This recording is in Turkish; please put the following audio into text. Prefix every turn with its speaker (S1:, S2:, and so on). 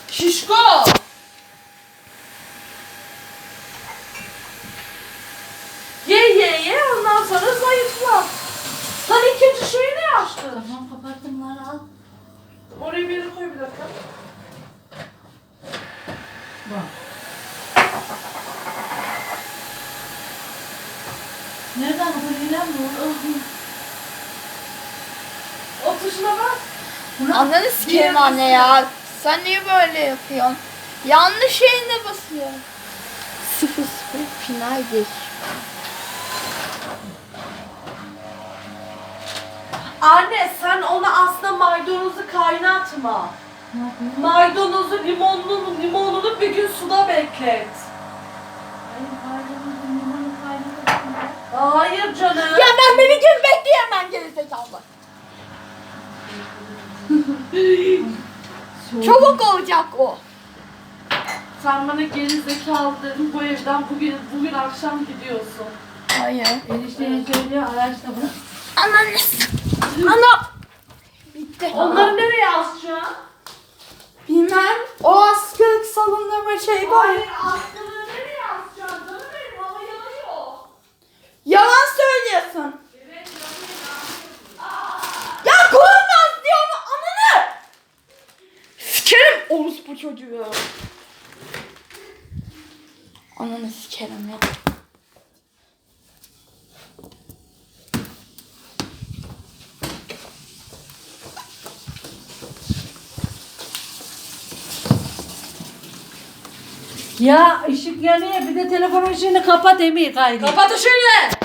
S1: Şişko. Ye ondan sonra zayıfla. Lan ikinci şeyi ne açtın?
S2: Tamam kapattım lan al.
S1: Oraya bir yere koy bir dakika.
S2: Bak. Nereden kurulan bu?
S1: O tuşuna bak.
S3: Ananı sikeyim anne ya. Sen niye böyle yapıyorsun? Yanlış yerine basıyor. 0-0 finaldir.
S1: Anne sen ona aslında maydanozu kaynatma.
S2: Ne yapayım?
S1: Maydanozu limonunu bir gün suda beklet.
S2: Hayır kaydımızın limonu kaynatırsın.
S1: Hayır canım.
S3: Ya ben beni gibi bekleyemem gerizekalı. Çabuk olacak o.
S1: Sen bana geri zekalı dedin, bu evden bugün akşam gidiyorsun.
S3: Hayır.
S2: Enişteye söylüyor araçta bırak.
S3: Ananı Ana. Bitti.
S1: Onları nereye asacaksın?
S3: Bilmem. O askılık salonunda bir şey var.
S1: Hayır, askılığı nereye asacaksın? Canım benim, hava yanıyor.
S3: Yalan söylüyorsun.
S1: Evet,
S3: Ya koymaz diyorum ananı. Sikerim orospu çocuğu. Ananı sikerim ya.
S2: Ya ışık yanıyor bir de telefon ışığını kapat Emir kaydı.
S1: kapat ışığını.